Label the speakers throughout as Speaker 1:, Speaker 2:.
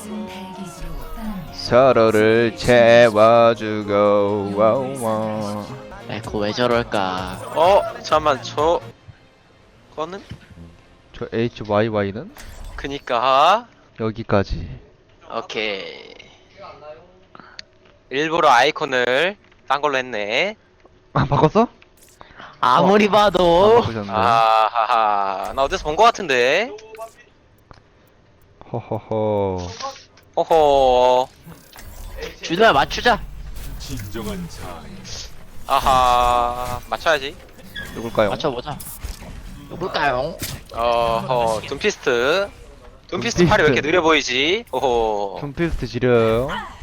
Speaker 1: 서로를 채워주고 와우.
Speaker 2: 에코 왜 저럴까?
Speaker 3: 잠깐만 거는?
Speaker 1: 저 HYY는
Speaker 3: 그니까
Speaker 1: 여기까지.
Speaker 3: 오케이. 일부러 아이콘을 딴 걸로 했네.
Speaker 1: 아 바꿨어?
Speaker 2: 아무리
Speaker 1: 안
Speaker 2: 봐도
Speaker 1: 바꾸셨네.
Speaker 3: 아하하, 나 어디서 본 거 같은데.
Speaker 1: 허허허.
Speaker 3: 호호.
Speaker 2: 준호야 맞추자.
Speaker 3: 아하, 맞춰야지.
Speaker 1: 누굴까요?
Speaker 2: 맞춰보자. 누굴까요?
Speaker 3: 둠피스트. 둠피스트 팔이 왜 이렇게 느려 보이지? 오호.
Speaker 1: 둠피스트 지려요.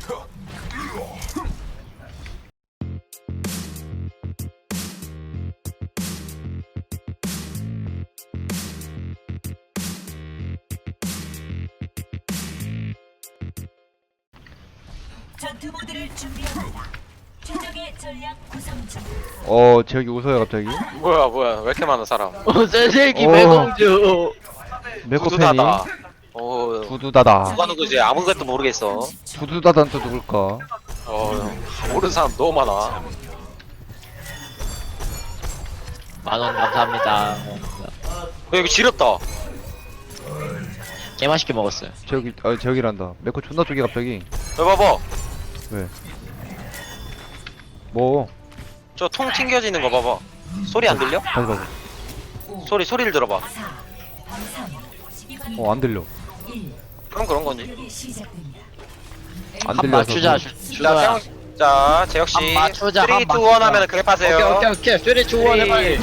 Speaker 4: 전투 모드를 준비합니다. 최적의 전략 구성 중.
Speaker 1: 저기 웃어요 갑자기.
Speaker 3: 뭐야, 왜 이렇게 많아, 사람.
Speaker 2: 쇠새끼
Speaker 1: 오.
Speaker 2: 매공주.
Speaker 1: 메코펜이
Speaker 3: 두두다다. 오,
Speaker 1: 두두다다.
Speaker 3: 누가 누구지? 아무것도 모르겠어.
Speaker 1: 두두다단 또 누굴까?
Speaker 3: 모르는 사람 너무 많아.
Speaker 2: 만원 감사합니다.
Speaker 3: 여기 지렸다.
Speaker 2: 개맛있게 먹었어요.
Speaker 1: 저기란다. 메코 존나 쪼개 갑자기.
Speaker 3: 왜 봐봐.
Speaker 1: 왜? 뭐?
Speaker 3: 저 통 튕겨지는 거 봐봐. 소리 안 들려?
Speaker 1: 다시 봐봐.
Speaker 3: 소리를 들어봐.
Speaker 1: 안 들려.
Speaker 3: 그럼 그런 건지.
Speaker 1: 안
Speaker 2: 한
Speaker 1: 들려서.
Speaker 2: 맞추자. 준호야.
Speaker 3: 자, 재혁씨.
Speaker 2: 한 맞추자,
Speaker 3: 3, 2,
Speaker 2: 한
Speaker 3: 1
Speaker 2: 맞추자.
Speaker 3: 하면 그랩하세요.
Speaker 2: 오케이. 쇠리 주원
Speaker 3: 3, 2, 1.
Speaker 2: 해봐요.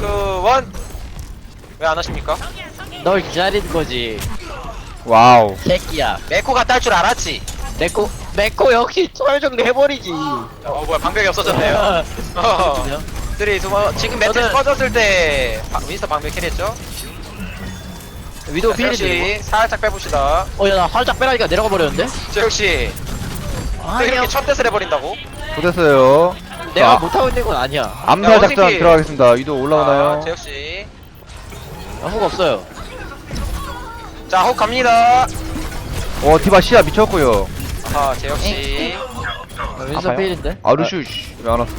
Speaker 3: 왜 안 하십니까?
Speaker 2: 널 기다리는 거지.
Speaker 1: 와우.
Speaker 2: 새끼야.
Speaker 3: 메코가 딸 줄 알았지?
Speaker 2: 메코 역시 초월 정리 해버리지.
Speaker 3: 뭐야, 방벽이 없어졌네요. 3, 2, 1. 지금 매트릭스
Speaker 2: 저는-
Speaker 3: 꺼졌을 때 윈스터 방벽 캐리했죠?
Speaker 2: 위도우
Speaker 3: 재혁씨,
Speaker 2: 필인데.
Speaker 3: 살짝 빼봅시다.
Speaker 2: 야 나 살짝 빼라니까 내려가 버렸는데.
Speaker 3: 재혁씨, 또 이렇게 첫 대을 해버린다고?
Speaker 1: 좋됐어요.
Speaker 2: 내가
Speaker 1: 자,
Speaker 2: 못하고 있는 건 아니야.
Speaker 1: 암살
Speaker 3: 야,
Speaker 1: 작전
Speaker 3: 어떻게-
Speaker 1: 들어가겠습니다. 위도 올라오나요?
Speaker 3: 재혁씨.
Speaker 2: 아무거 없어요.
Speaker 3: 자, 혹 갑니다.
Speaker 1: 디바 시야 미쳤고요.
Speaker 3: 재혁씨.
Speaker 2: 윈선
Speaker 1: 아파요?
Speaker 2: 필인데.
Speaker 1: 루슈 왜안 왔어?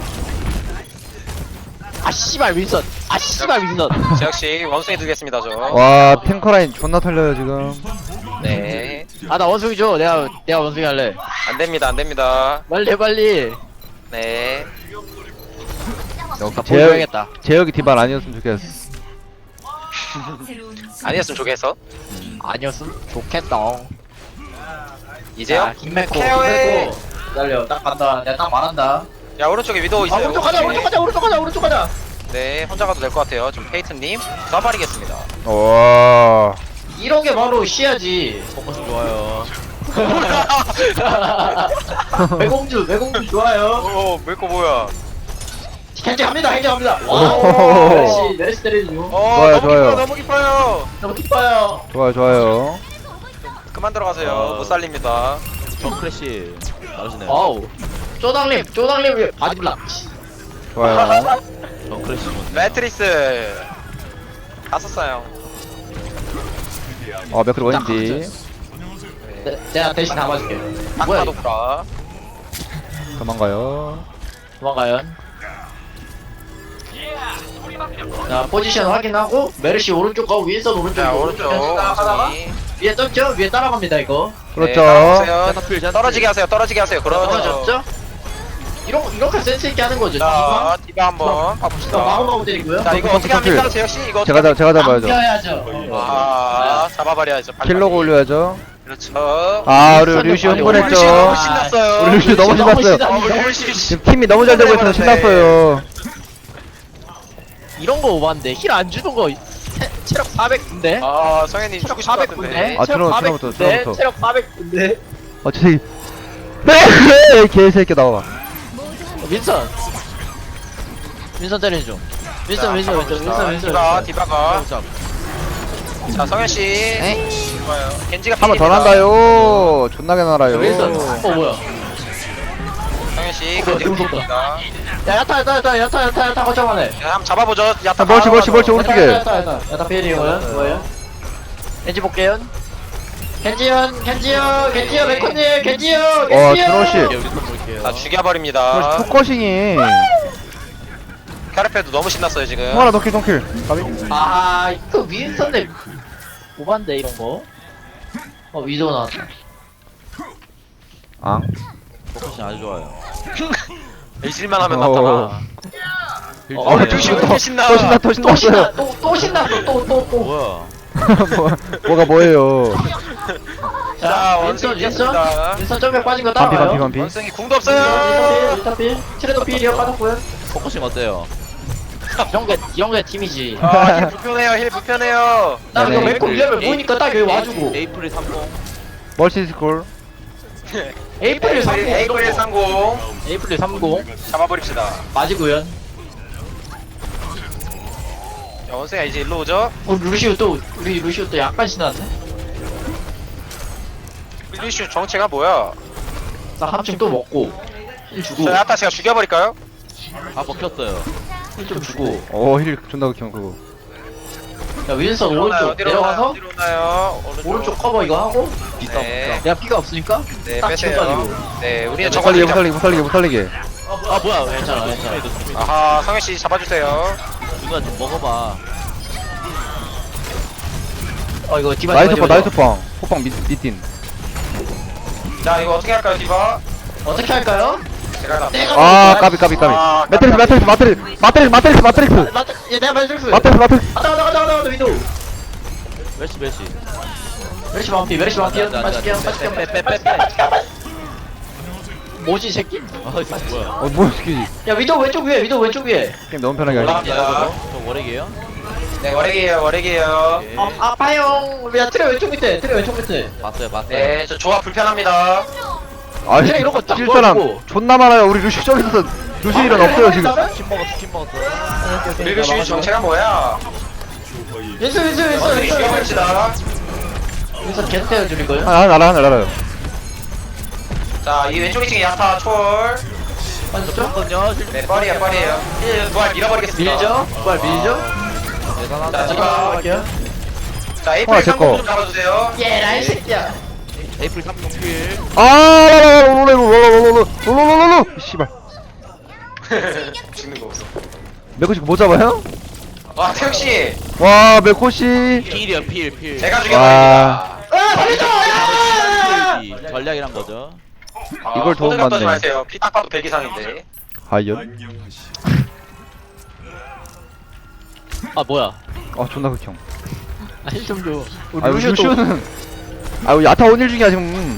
Speaker 2: 아 씨발 윈선. 아 씨발 윈선.
Speaker 3: 재혁씨, 원숭이 두겠습니다, 저.
Speaker 1: 와 탱커라인 존나 털려요 지금.
Speaker 3: 네.
Speaker 2: 아 나 원숭이 줘. 내가 원숭이 할래.
Speaker 3: 안 됩니다.
Speaker 2: 빨리.
Speaker 3: 네.
Speaker 1: 역시
Speaker 2: 나 보여야겠다.
Speaker 1: 재혁이 디바 아니었으면 좋겠어.
Speaker 3: 아니었으면 좋겠어.
Speaker 2: 아니었음 좋겠다.
Speaker 3: 이제요?
Speaker 2: 김맥코.
Speaker 3: 케어해.
Speaker 2: 기다려. 딱 간다. 내가 딱 말한다.
Speaker 3: 야, 오른쪽에 위도우 있어요.
Speaker 2: 오른쪽 가자.
Speaker 3: 네, 혼자 가도 될 것 같아요. 지금 페이튼님 써버리겠습니다.
Speaker 1: 와.
Speaker 2: 이런 게 바로 시야지. 포커스 좋아요. 매공주 좋아요.
Speaker 3: 메코 뭐야?
Speaker 2: 행정합니다.
Speaker 1: 오.
Speaker 2: 메르시 때리죠.
Speaker 1: 좋아요, 좋아요.
Speaker 3: 너무 깊어요.
Speaker 2: 너무 기뻐요.
Speaker 1: 좋아요.
Speaker 3: 그만 들어가세요. 못 살립니다.
Speaker 5: 정크래쉬 나오시네요.
Speaker 2: 어우. 쪼당님 바디블락.
Speaker 1: 좋아요.
Speaker 5: 정크래쉬
Speaker 3: 매트리스 다 썼어요.
Speaker 1: 맥클 원인지
Speaker 2: 내가 대신 담아줄게. 뭐야?
Speaker 3: 딱봐도 구라.
Speaker 1: 도망가요.
Speaker 2: 도망가요. 자 포지션 확인하고 메르시 오른쪽 가고 윈선 오른쪽.
Speaker 3: 자, 오른쪽
Speaker 2: 하다가
Speaker 3: 원숭이.
Speaker 2: 위에 떴죠? 위에 따라갑니다 이거.
Speaker 1: 그렇죠.
Speaker 3: 네, 떨어지게 하세요. 그렇죠.
Speaker 2: 떨어졌죠? 이렇게 센스 있게 하는 거죠.
Speaker 3: 자, 디바 한번
Speaker 2: 자
Speaker 3: 봐봅시다.
Speaker 2: 마구마구 때리고요.
Speaker 3: 자, 이거 어떻게 합니까, 재혁씨? 이거
Speaker 1: 제가 잡아야죠.
Speaker 2: 남겨야죠.
Speaker 3: 잡아버려야죠. 빨리.
Speaker 1: 킬로그 올려야죠.
Speaker 3: 그렇죠.
Speaker 1: 우리 루시
Speaker 2: 아니,
Speaker 3: 루시
Speaker 1: 흥분했죠.
Speaker 3: 너무 신났어요.
Speaker 1: 우리 루시 너무 신났어요.
Speaker 3: 루시
Speaker 1: 지금 팀이 너무 잘 되고 있어서 신났어요.
Speaker 2: 이런 거 오반데 힐 안 주는 거 체력 400인데.
Speaker 3: 성현님
Speaker 2: 체력
Speaker 3: 주고 싶을 것 같은데.
Speaker 2: 400인데.
Speaker 1: 아, 들어부터.
Speaker 2: 체력 400인데.
Speaker 1: 저기 개새끼 나와.
Speaker 2: 윈선 때리는 중. 윈선.
Speaker 3: 디바가. 자, 성현씨.
Speaker 2: 에?
Speaker 3: 좋아요. 겐지가
Speaker 1: 한 번 더
Speaker 3: 필입니다.
Speaker 1: 난다요. 존나게 날아요.
Speaker 2: 윈선. 뭐야?
Speaker 3: 성현씨,
Speaker 2: 뭐야,
Speaker 3: 겐지가
Speaker 2: 무섭다.
Speaker 3: 필입니다.
Speaker 2: 야 야타 거쳐가네.
Speaker 3: 자, 한번 잡아보죠. 야타
Speaker 1: 멀치 오른쪽에.
Speaker 2: 야타 필이고요. 뭐예요? 엔지 볼게요. 겐지요 메코님 겐지요
Speaker 1: 트로시.
Speaker 5: 여기 또 볼게요.
Speaker 3: 아 죽여버립니다.
Speaker 1: 포커싱이.
Speaker 3: 카르페도 너무 신났어요 지금.
Speaker 1: 통하나 덩킬 덩킬. 까비.
Speaker 2: 아 이거 윈선데 오반데 이런거 위도 나왔다
Speaker 1: 아.
Speaker 5: 포커싱 아주 좋아요.
Speaker 3: 일실만 하면
Speaker 1: 어.
Speaker 3: 나타나.
Speaker 5: 어,
Speaker 3: 루시 왜 이렇게 신나?
Speaker 1: 또 신나 또 신났어요.
Speaker 2: 또 신났어 또
Speaker 5: 뭐야?
Speaker 1: 뭐가 뭐예요?
Speaker 3: 자 원숭이 깼습니다.
Speaker 2: 윈선 점에 빠진 거
Speaker 1: 반피
Speaker 2: 따라와요
Speaker 1: 반피 반피.
Speaker 3: 원숭이 궁도 없어요.
Speaker 2: 일단필 트레도 필이요 빠졌고요
Speaker 5: 포커싱 어때요?
Speaker 2: 이런 게 팀이지
Speaker 3: 아힐 불편해요. 힐 불편해요.
Speaker 2: 나 이거
Speaker 1: 네네.
Speaker 2: 메코 위험을 보니까 딱 여기 와주고
Speaker 5: 에이프릴 30.
Speaker 1: 멀시 스콜.
Speaker 2: 에이프릴 30
Speaker 3: 에이프릴 30
Speaker 2: 에이프릴 30
Speaker 3: 잡아버립시다.
Speaker 2: 맞이고요
Speaker 3: 야, 원숭이 이제 일로 오죠.
Speaker 2: 루시오 또 우리 루시오 또 약간 신났네
Speaker 3: 루시 정체가 뭐야?
Speaker 2: 나 합층 또 먹고 힐 주고
Speaker 3: 저 야타 제가 죽여버릴까요?
Speaker 5: 아 먹혔어요.
Speaker 2: 힐 좀 주고
Speaker 1: 힐 존나 극혐 그거.
Speaker 2: 야 윈선
Speaker 3: 어디로 오나요?
Speaker 2: 오른쪽
Speaker 3: 어디로
Speaker 2: 내려가서
Speaker 3: 오나요? 어디로 오나요?
Speaker 2: 오른쪽 커버 이거 하고
Speaker 3: 네.
Speaker 2: 내가 피가 없으니까
Speaker 3: 네
Speaker 2: 딱
Speaker 3: 빼세요.
Speaker 2: 치워가지고
Speaker 3: 네 우리는
Speaker 1: 못
Speaker 3: 저거
Speaker 1: 살리게 못 살리게 못 살리게 못 살리게.
Speaker 5: 아 뭐야?
Speaker 2: 괜찮아.
Speaker 3: 아하 성현씨 잡아주세요.
Speaker 5: 누가 좀 먹어봐.
Speaker 2: 이거 디바
Speaker 1: 나이스 파 나이스 파. 호빵 밑딘.
Speaker 3: 자 이거 어떻게 할까요 디바?
Speaker 2: 어떻게 할까요?
Speaker 3: 제가
Speaker 1: 아 까비 까비 까비.
Speaker 3: 아,
Speaker 1: 매트릭스 매트릭스 매트릭스 마트릭스 마트릭스
Speaker 2: 내가 말해줄게
Speaker 1: 마트릭스 마트릭스.
Speaker 2: 가자 위도
Speaker 5: 멜시.
Speaker 2: 메르시 반피 맛있게
Speaker 5: 빼빼빼빼빼.
Speaker 2: 뭐지 이 새끼?
Speaker 5: 아 이거 뭐야?
Speaker 1: 뭐야 시키지.
Speaker 2: 야 위도 왼쪽 위에
Speaker 1: 게임 너무 편하게 하지.
Speaker 3: 올라갑니다.
Speaker 5: 저 월액이에요?
Speaker 3: 네 월액이에요.
Speaker 5: 오케이.
Speaker 2: 아파요 야 트레 왼쪽 밑에
Speaker 5: 봤어요.
Speaker 3: 네 저 조합 불편합니다.
Speaker 1: 아니
Speaker 2: 그냥 이런 거딱
Speaker 1: 칠 사람
Speaker 2: 모아주고.
Speaker 1: 존나 많아요. 우리 루시 저기서 루시 일은 없어요 지금.
Speaker 5: 킴 먹었어.
Speaker 3: 우리 루시 정체가 뭐야?
Speaker 2: 윈스
Speaker 3: 원숭이 죽여버립시다.
Speaker 2: 윈스 계속 때려줄 거예요?
Speaker 1: 알아요.
Speaker 3: 자이 왼쪽 2층에 야타 초월.
Speaker 2: 맞죠?
Speaker 5: 잠깐요.
Speaker 3: 네 뻘이에요. 부활 밀어버리겠습니다.
Speaker 2: 밀죠? 부활 밀죠?
Speaker 3: 자
Speaker 5: 대단하다.
Speaker 3: 디바.
Speaker 2: 갈게요
Speaker 3: 자
Speaker 1: 아,
Speaker 3: 에이프릴
Speaker 1: 제
Speaker 3: 30
Speaker 1: 거.
Speaker 3: 좀 잡아주세요.
Speaker 2: 얘라 이 새끼야
Speaker 5: 에이프릴 30킬.
Speaker 1: 롤롤롤롤롤롤롤롤롤롤 씨발.
Speaker 3: 죽는 거 없어.
Speaker 1: 메코시 못 잡아요?
Speaker 3: 와 태욱씨
Speaker 1: 와 메코시.
Speaker 5: 필이야 필.
Speaker 3: 제가
Speaker 1: 와.
Speaker 3: 죽여버립니다.
Speaker 2: 살려줘
Speaker 5: 전략이란 거죠.
Speaker 1: 이걸 도움
Speaker 3: 호들갑 떠지
Speaker 1: 받네.
Speaker 3: 마세요. 피 딱 봐도 100 이상인데.
Speaker 1: 과연?
Speaker 2: 뭐야
Speaker 1: 존나 극혐.
Speaker 2: 힐좀줘
Speaker 1: 우리 루시오는 우리 야타 온일 중이야 지금.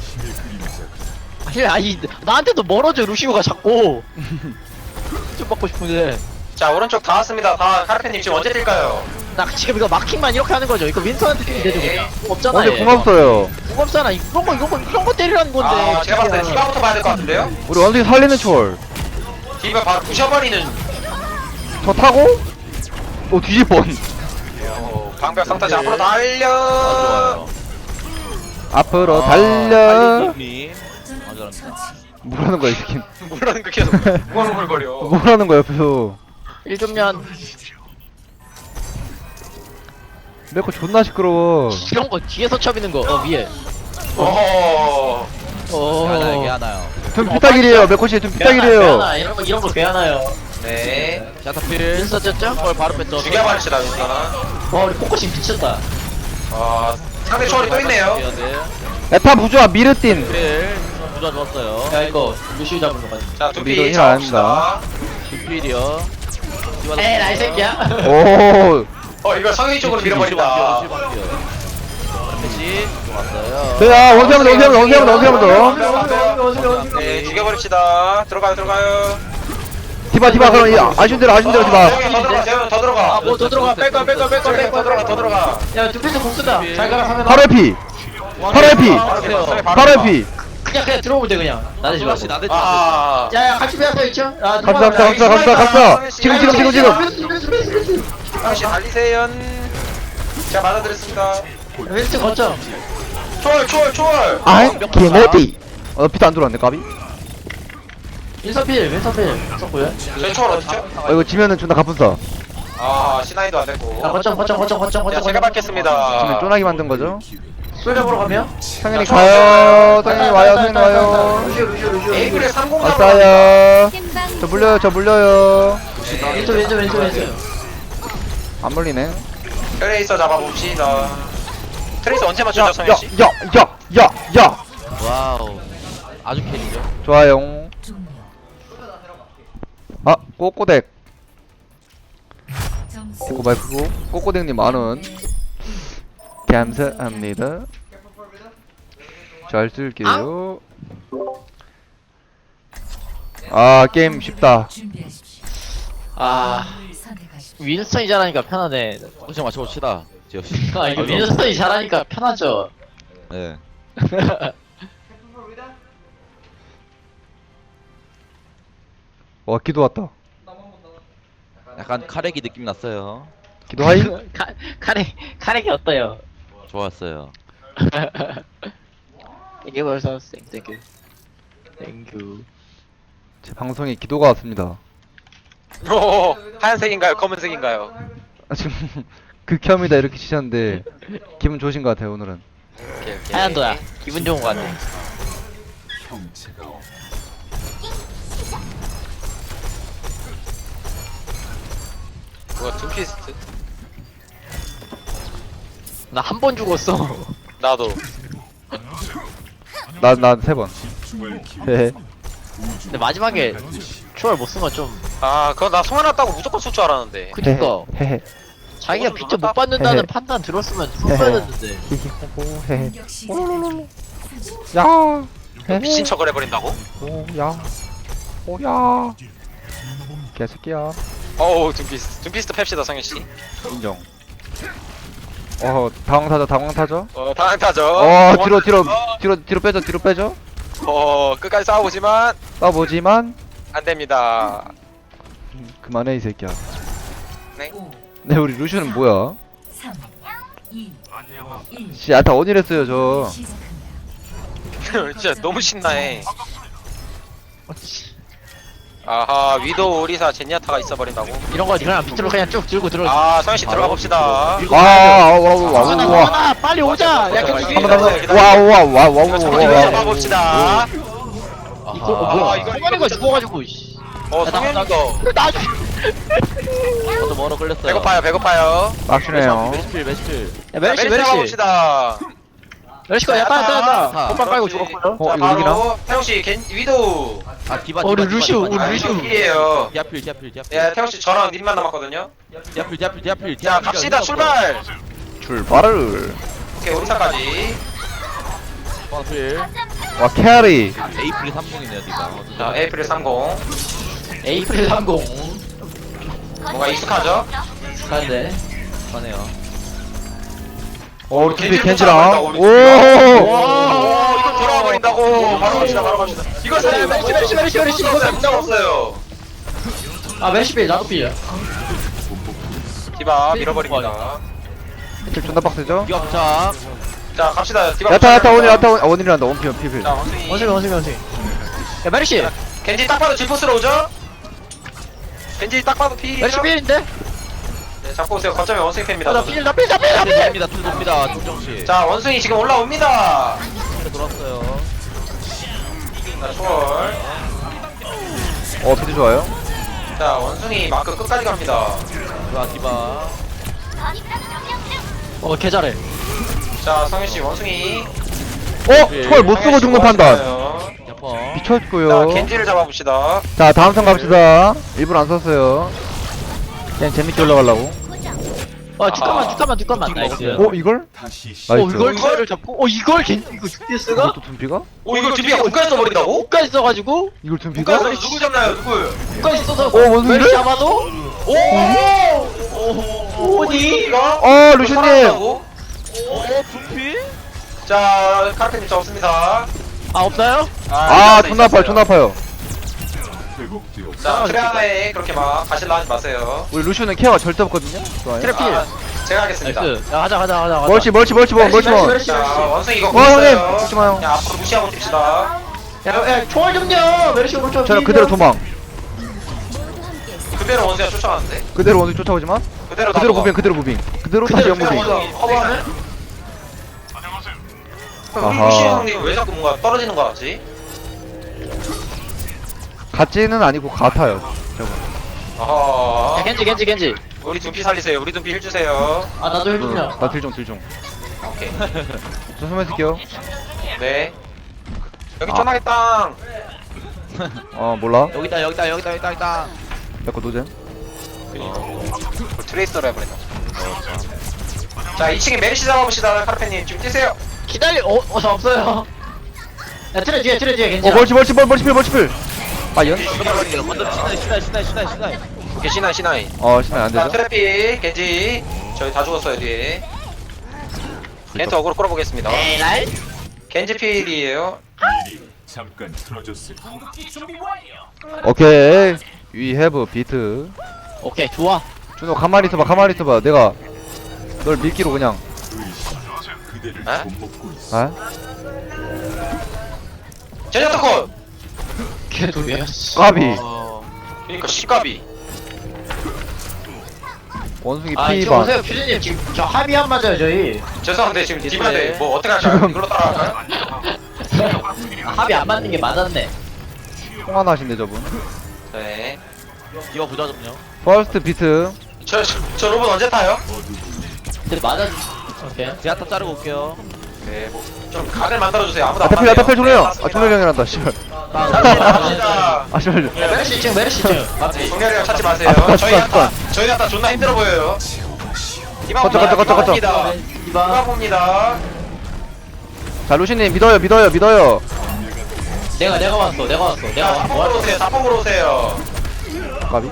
Speaker 2: 나한테도 멀어져 루시오가 자꾸 좀 받고 싶은데
Speaker 3: 자 오른쪽 다 왔습니다. 다 카르페님 지금 언제 뛸까요?
Speaker 2: 나 지금 이거 마킹만 이렇게 하는 거죠 이거 윈선한테 뛰면 되죠 그냥 없잖아
Speaker 1: 근데 궁 없어요.
Speaker 2: 궁 없잖아 이런 거 때리라는 건데
Speaker 3: 아 제가 봤을 때 디바부터 봐야 될 것 같은데요?
Speaker 1: 우리 원숭이 살리는 초월.
Speaker 3: 디바 바로 부셔버리는
Speaker 1: 저 타고? 뒤질 뻔.
Speaker 3: 방벽 상타지 앞으로
Speaker 5: 아
Speaker 3: 달려.
Speaker 5: 좋아요.
Speaker 1: 앞으로
Speaker 3: 아,
Speaker 1: 달려.
Speaker 5: 님. 아 잘합니다.
Speaker 1: 뭐라는 거야 이 새끼.
Speaker 3: 뭐라는 거 계속 우글우글거려.
Speaker 1: 뭐라는 거야 옆에서.
Speaker 2: 1좀면
Speaker 1: 메코 존나 시끄러워.
Speaker 2: 이런 거 뒤에서 쳐비는 거 위에
Speaker 3: 어.
Speaker 5: 하나요.
Speaker 1: 좀 피딱이래요. 메코시 좀 피딱이래요.
Speaker 2: 괴하나 이런 거 괴하나요
Speaker 3: 네.
Speaker 5: 자타필.
Speaker 2: 윈선 쪘죠?
Speaker 5: 헐 바로 뺐죠.
Speaker 3: 죽여버립시다 윈스턴.
Speaker 2: 와 우리 포커싱 미쳤다
Speaker 3: 상대 초월이 또 있네요.
Speaker 1: 에타 부조아 미르틴.
Speaker 5: 필. 부자 좋았어요.
Speaker 2: 야 이거 루시오 잡은 거 같아
Speaker 3: 자
Speaker 1: 우리도
Speaker 3: 두피
Speaker 1: 힐
Speaker 3: 잡읍시다.
Speaker 5: 필이요.
Speaker 2: 에라 이 새끼야
Speaker 1: 오.
Speaker 3: 이거 상위 쪽으로 밀어버린다.
Speaker 5: 패시 좋았어요.
Speaker 1: 야 원수하면
Speaker 3: 네 죽여버립시다. 들어가요.
Speaker 1: 디바 그럼 이 아쉬운 대로 디바.
Speaker 3: 재현 더 들어가.
Speaker 2: 뭐 더 들어가 뺄 거야
Speaker 3: 더 들어가.
Speaker 2: 야 두피스 공 쓰다 잘 가라 하면
Speaker 1: 바로 에피. 바로 에피.
Speaker 2: 그냥 들어오면 돼 그냥 나대지 말고
Speaker 5: 플러시 나대지
Speaker 3: 아.
Speaker 2: 야야 같이 빼앗아 있죠?
Speaker 1: 갑시다. 지금.
Speaker 3: 당시 달리세요. 자 맞아드렸습니다.
Speaker 2: 왼쪽 거점
Speaker 3: 초월.
Speaker 1: 개모디. 피도 안 들어왔네 까비.
Speaker 2: 윈서필 썼고요
Speaker 3: 저희 초월 어딨죠?
Speaker 1: 이거 지면은 존나 가뿐싸.
Speaker 3: 시나이도 안 됐고.
Speaker 2: 야 거점
Speaker 3: 자 제가
Speaker 1: 지면
Speaker 3: 받겠습니다.
Speaker 1: 쫀하게 만든 거죠.
Speaker 2: 솔져 보러 가면?
Speaker 1: 성현이 가요. 성현이 와요. 성현이 와요.
Speaker 2: 루시오.
Speaker 3: 에이프릴 30
Speaker 1: 왔어요. 저 물려요.
Speaker 2: 왼쪽.
Speaker 1: 안 물리네.
Speaker 3: 트레이서 잡아봅시다. 트레이서 언제 맞추죠, 성현씨?
Speaker 1: 야.
Speaker 5: 와우. 아주 캐리죠.
Speaker 1: 좋아요. 아, 꼬꼬댁. 고마이크고 꼬꼬댁님 만원 감사합니다. 잘 쓸게요. 아, 게임 쉽다.
Speaker 2: 아 윈스턴이 잘하니까 편하네.
Speaker 5: 포지션 맞춰봅시다. 지혁씨.
Speaker 2: 아 이거 윈스턴이 잘하니까 편하죠.
Speaker 5: 네.
Speaker 1: 와, 기도 왔다.
Speaker 5: 약간 카레기 느낌 났어요.
Speaker 1: 기도 하이?
Speaker 2: 카렉이 어때요?
Speaker 5: 좋았어요.
Speaker 2: 이게 벌써 땡큐. 땡큐.
Speaker 1: 제 방송에 기도가 왔습니다.
Speaker 3: 오, 하얀색인가요? 검은색인가요?
Speaker 1: 아, 지금 극혐이다 이렇게 치셨는데 기분 좋으신 것 같아요 오늘은.
Speaker 3: 오케이.
Speaker 2: 하얀도야. 기분 좋은 거 같네.
Speaker 3: 뭐야, 둠피스트?
Speaker 2: 나 한 번 죽었어.
Speaker 3: 나도.
Speaker 1: 난 3번. 헤헤.
Speaker 2: 근데 마지막에 추월 못 쓴 건 좀.
Speaker 3: 아, 그거 나 송환했다고 무조건 쏠 줄 알았는데.
Speaker 2: 그니까
Speaker 1: 헤헤.
Speaker 2: 자기가 비트 못 받는다는 판단 들었으면 썼어야 됐는데.
Speaker 1: 히히호호 헤헤. 야. 헤헤.
Speaker 3: 미친 척을 해버린다고?
Speaker 1: 오야. 오야. 개새끼야.
Speaker 3: 어우, 둠피스트 팹시다, 성현씨.
Speaker 1: 인정. 당황타죠.
Speaker 3: 당황타죠.
Speaker 1: 뒤로 빼죠.
Speaker 3: 끝까지 싸워보지만,
Speaker 1: 싸보지만
Speaker 3: 안 됩니다.
Speaker 1: 그만해 이 새끼야.
Speaker 3: 네.
Speaker 1: 네, 우리 루시는 뭐야? 씨, 다 원이랬어요 저.
Speaker 3: 진짜 너무 신나해. 아하, 위도우, 오리사, 제니아타가 있어버린다고?
Speaker 2: 이런 거 그냥 비트로 그냥 쭉 들고 들어.
Speaker 3: 아, 성현씨 들어가 봅시다.
Speaker 1: 와.
Speaker 2: 빨리 오자. 야
Speaker 3: 이거 잡아봅시다.
Speaker 2: 이거 뭐야? 성현이가 죽어가지고. 씨.
Speaker 3: 성현이가.
Speaker 2: 나
Speaker 5: 저도 멀어 끌렸어요.
Speaker 3: 배고파요.
Speaker 1: 막시네요.
Speaker 5: 매시필.
Speaker 2: 야,
Speaker 3: 메르시 잡아봅시다.
Speaker 2: 멜시가 야따.
Speaker 5: 자,
Speaker 2: 콧발 빨고 죽었고요.
Speaker 1: 어,
Speaker 3: 자,
Speaker 1: 이거 이기나?
Speaker 3: 바로 태용씨, 위도우.
Speaker 5: 아 디바.
Speaker 2: 우리 루시우.
Speaker 3: 필이에요.
Speaker 5: 디아필.
Speaker 3: 예, 태용씨 저랑 님만 남았거든요.
Speaker 5: 디아필.
Speaker 3: 자, 갑시다, 출발!
Speaker 1: 출발을.
Speaker 3: 오케이, 오리사까지.
Speaker 5: 디아필.
Speaker 1: 와, 캐리.
Speaker 5: 에이프릴 30이네요 디바.
Speaker 3: 자, 에이프릴 30.
Speaker 2: 에이프릴 30.
Speaker 3: 뭔가 익숙하죠?
Speaker 2: 가는데.
Speaker 5: 하네요.
Speaker 1: 우리 팀이
Speaker 3: 겐지
Speaker 1: 겐지랑.
Speaker 3: 우리
Speaker 1: 오.
Speaker 3: 오, 이거 돌아와 버린다고. 바로 갑시다. 이거 살려,
Speaker 2: 메르시.
Speaker 3: 이거 없어요.
Speaker 2: 아 멜시필 나도 필.
Speaker 3: 디바 밀어버립니다.
Speaker 1: 킬 존나 빡세죠?
Speaker 5: 디바 부착.
Speaker 3: 자, 갑시다. 디바.
Speaker 1: 야타 원이란다. 원피.
Speaker 3: 자, 원숭이.
Speaker 2: 원숭이. 야 메르시.
Speaker 3: 겐지 딱 봐도 질포스로 오죠? 겐지 딱 봐도 필이죠?
Speaker 2: 메르시 필인데?
Speaker 3: 네, 잡고 오세요. 거점에 원숭이 팬입니다.
Speaker 2: 나 필.
Speaker 5: 됩니다. 툴 돕니다. 조정씨.
Speaker 3: 자, 원숭이 지금 올라옵니다.
Speaker 5: 돌았어요.
Speaker 3: 자, 초월.
Speaker 1: 피드 좋아요.
Speaker 3: 자, 원숭이 마크 끝까지 갑니다.
Speaker 5: 좋아 디바.
Speaker 2: 개 잘해.
Speaker 3: 자, 성현씨, 원숭이.
Speaker 1: 초월 못 쓰고 죽는 판단.
Speaker 5: 야퍼.
Speaker 3: 자,
Speaker 1: 미쳤고요.
Speaker 3: 겐지를 잡아봅시다.
Speaker 1: 자, 다음 턴 갑시다. 일부러 안 썼어요. 그냥 재밌게 올라가려고.
Speaker 2: 잠깐만. 나이스.
Speaker 1: 이걸? 나이스.
Speaker 2: 이걸 기회를 잡고. 이걸 이거 죽겠어가?
Speaker 1: 이것도 둠피가?
Speaker 3: 오, 이걸 둠피가 국가에 써버린다고?
Speaker 2: 옷까지 써가지고.
Speaker 1: 이걸 둠피가?
Speaker 3: 국가에 써 누구 잡나요, 누구?
Speaker 2: 옷까지 써서.
Speaker 1: 원숭이를?
Speaker 2: 메르시 잡아도.
Speaker 3: 오니?
Speaker 1: 루시님.
Speaker 5: 둠피?
Speaker 3: 자, 카르페님 잡습니다.
Speaker 2: 없나요?
Speaker 1: 존나 아파요.
Speaker 3: 자, 트레아에 그렇게 막 가실라 하지 마세요.
Speaker 1: 우리 루시는 케어가 절대 없거든요. 좋아요.
Speaker 2: 트래필.
Speaker 3: 제가 하겠습니다.
Speaker 2: 나이스. 야 가자.
Speaker 1: 멀치 원.
Speaker 3: 자, 원숭이 이거
Speaker 1: 형님,
Speaker 3: 보였어요.
Speaker 1: 죽지 마요.
Speaker 3: 그냥 앞으로 무시하고 뜁시다.
Speaker 2: 야 총알 좀요. 메르시 오른쪽.
Speaker 1: 저는 그대로 도망.
Speaker 3: 그대로 원숭이가 쫓아가는데?
Speaker 1: 그대로 원숭이 쫓아오지만
Speaker 3: 그대로
Speaker 1: 그대로 무빙. 그대로 다시 영무빙.
Speaker 3: 원숭이 커버하면?
Speaker 1: 아하.
Speaker 3: 루시 형님 왜 자꾸 뭔가 떨어지는 거 같지?
Speaker 1: 같지는 아니고 같아요. 저거.
Speaker 3: 아하.
Speaker 2: 야, 겐지.
Speaker 3: 우리 둠피 살리세요. 우리 둠피 힐 주세요.
Speaker 2: 아, 나도 해주냐.
Speaker 1: 나 딜중.
Speaker 3: 오케이.
Speaker 1: 저 숨어 있을게요.
Speaker 3: 네. 여기
Speaker 1: 아.
Speaker 3: 쫀하게 땅.
Speaker 1: 몰라.
Speaker 5: 여기 있다.
Speaker 1: 내거 노잼.
Speaker 3: 트레이서로 해버린다. 자, 2층에 메리시 잡아봅시다. 카르페님 지금 뛰세요.
Speaker 2: 기다려. 저 없어요. 야, 트레 뒤에, 겐지.
Speaker 1: 멀치필. 아, 연?
Speaker 5: 먼저 신나이.
Speaker 3: 오케이, 시나이.
Speaker 1: 신나이 안
Speaker 3: 자,
Speaker 1: 되죠?
Speaker 3: 트래피, 겐지. 저희 다 죽었어요, 뒤에. 겐트 어그로 끌어보겠습니다.
Speaker 2: 에라이?
Speaker 3: 겐지 필이에요.
Speaker 6: 잠깐 틀어줬을
Speaker 1: 오케이. We have beat.
Speaker 2: 오케이, 좋아.
Speaker 1: 준호, 가만히 있어봐. 내가 널 밀기로 그냥.
Speaker 6: 그대를
Speaker 3: 에?
Speaker 6: 못 먹고 있어.
Speaker 1: 아?
Speaker 3: 제냐타콘!
Speaker 2: 걔도야.
Speaker 1: 까비.
Speaker 3: 그니까, 시까비.
Speaker 1: 원숭이
Speaker 2: 아, 지금
Speaker 1: P반.
Speaker 2: 오세요, 퓨즈님. 지금 저 합의 안 맞아요, 저희.
Speaker 3: 죄송한데, 지금 디바인데, 뭐, 어떻게 할까요?
Speaker 1: 지금-
Speaker 3: 이걸로 따라갈까요?
Speaker 2: 합의 안 맞는 게 맞았네.
Speaker 1: 통화나신데 저분.
Speaker 3: 네.
Speaker 5: 디바 부자 좀요.
Speaker 1: 퍼스트 비트.
Speaker 3: 저 로봇 언제 타요?
Speaker 2: 근데 맞았. 오케이.
Speaker 5: 제가 자르고 올게요.
Speaker 3: 네, 뭐, 좀 각을 만들어주세요. 아무도 안
Speaker 1: 야타필
Speaker 3: 맞네요.
Speaker 1: 종료요.
Speaker 3: 맞습니다.
Speaker 1: 종료령이란다. 씨발.
Speaker 3: 갑니다.
Speaker 1: 아 씨발.
Speaker 2: 메르시 층.
Speaker 3: 네, 종료령 찾지 마세요.
Speaker 1: 아,
Speaker 3: 저희 야타 존나 힘들어 보여요. 디바
Speaker 1: 거쳐.
Speaker 3: 봅니다. 디바 봅니다.
Speaker 1: 자 루시님 믿어요.
Speaker 2: 내가 왔어.
Speaker 3: 자, 자폭으로 오세요. 자폭으로 오세요.
Speaker 1: 까비.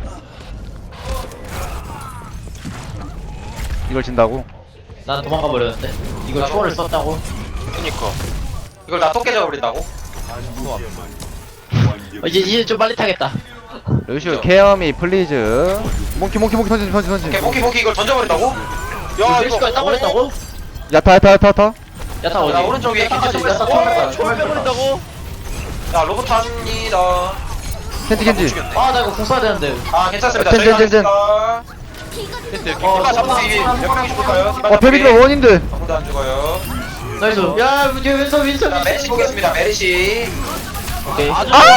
Speaker 1: 이걸 진다고?
Speaker 2: 난 도망가 버렸는데. 이걸 초월을 썼다고?
Speaker 3: 그니까. 이걸 다 토끼 잡아버린다고?
Speaker 2: 이제 좀 빨리 타겠다.
Speaker 1: 루시오 케어미 플리즈. 몽키 던지.
Speaker 3: 오케이, 모키 이걸 던져버린다고? 야,
Speaker 2: 메르시까지 따버렸다고?
Speaker 1: 야타.
Speaker 2: 야타 어디?
Speaker 3: 야, 오른쪽 위에 겐지 좀
Speaker 2: 야타
Speaker 3: 있어.
Speaker 2: 초월
Speaker 5: 빼버린다고?
Speaker 3: 자, 로봇 합니다.
Speaker 1: 켄지.
Speaker 2: 아, 나 이거 공 써야 되는데.
Speaker 3: 아, 괜찮습니다.
Speaker 1: 젠.
Speaker 3: 저희가 하겠습니다. 디바 잡는 게 몇 명이 죽을까요? 디바
Speaker 1: 베비드가
Speaker 3: 잡기.
Speaker 1: 원인데.
Speaker 3: 아무도 안 죽어요.
Speaker 2: 나이스. 야, 윈선.
Speaker 3: 자, 메리시 보겠습니다. 메리시.
Speaker 2: 오케이.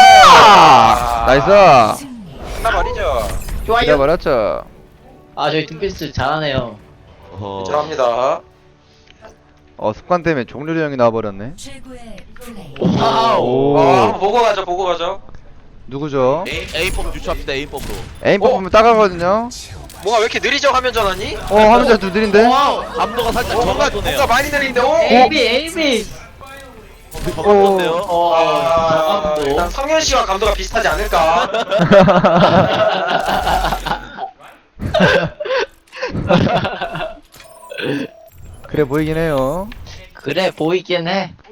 Speaker 1: 나이스.
Speaker 3: 끝나버리죠.
Speaker 2: 좋아요.
Speaker 1: 기다려버렸죠.
Speaker 2: 아, 저희 등피스 잘하네요.
Speaker 3: 잘합니다.
Speaker 1: 습관 때문에 종료령이 나와버렸네.
Speaker 4: 최고의 플레이.
Speaker 2: 와우.
Speaker 3: 한번 보고 가죠.
Speaker 1: 누구죠?
Speaker 5: A법 유추합시다. A법으로.
Speaker 1: 에임 뽑으면 따가거든요.
Speaker 3: 뭐가 왜 이렇게 느리죠? 화면 전환이?
Speaker 1: 화면자 두 느린데?
Speaker 2: 와우.
Speaker 5: 감도가 살짝
Speaker 3: 뭔가
Speaker 5: 적어도네요.
Speaker 3: 많이 느린데?
Speaker 2: 에이미.
Speaker 5: 적어도네요.
Speaker 2: 잠깐만.
Speaker 3: 일단 성현 씨와 감도가 비슷하지 않을까?
Speaker 1: 그래 보이긴 해요.
Speaker 2: 그래, 보이긴 해.